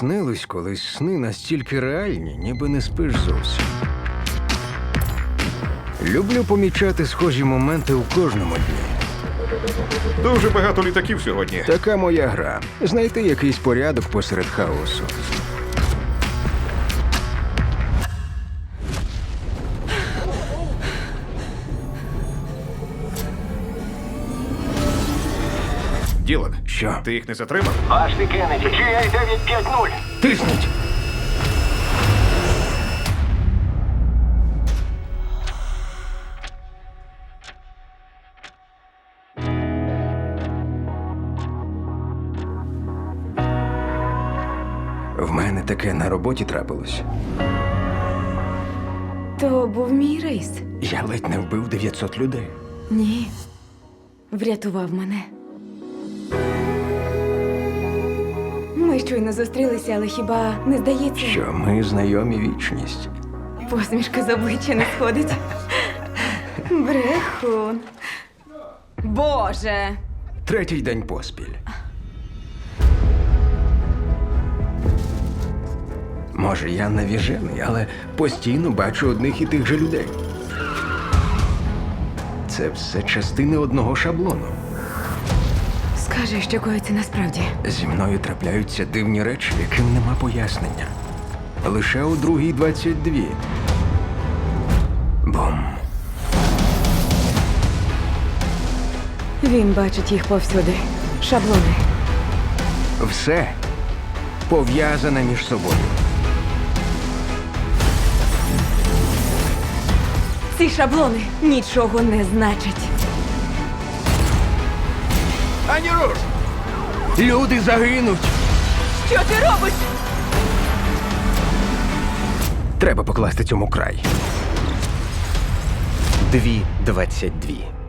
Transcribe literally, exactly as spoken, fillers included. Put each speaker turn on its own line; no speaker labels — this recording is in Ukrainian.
снились колись сни настільки реальні, ніби не спиш зовсім. Люблю помічати схожі моменти у кожному дні.
Дуже багато літаків сьогодні.
Така моя гра. Знайти якийсь порядок посеред хаосу.
Ділан,
Що?
ти їх не затримав?
Ашлі Кеннеді, джі ей дев'ять п'ять нуль.
Тисніть! В мене таке на роботі трапилось.
То був мій рейс.
Я ледь не вбив дев'ятсот людей.
Ні. Врятував мене. Ми щойно зустрілися, але хіба не здається?
Що ми знайомі вічність.
Посмішка з обличчя не сходить. Брехун. Боже!
Третій день поспіль. Може, я навіжений, але постійно бачу одних і тих же людей. Це все частини одного шаблону.
Скажи, що коїться насправді.
Зі мною трапляються дивні речі, яким нема пояснення. Лише у другій двадцять дві. Бум.
Він бачить їх повсюди. Шаблони.
Все пов'язане між собою.
Ці шаблони нічого не значать.
Ані руш! Люди загинуть!
Що ти робиш?
Треба покласти цьому край. Дві двадцять дві.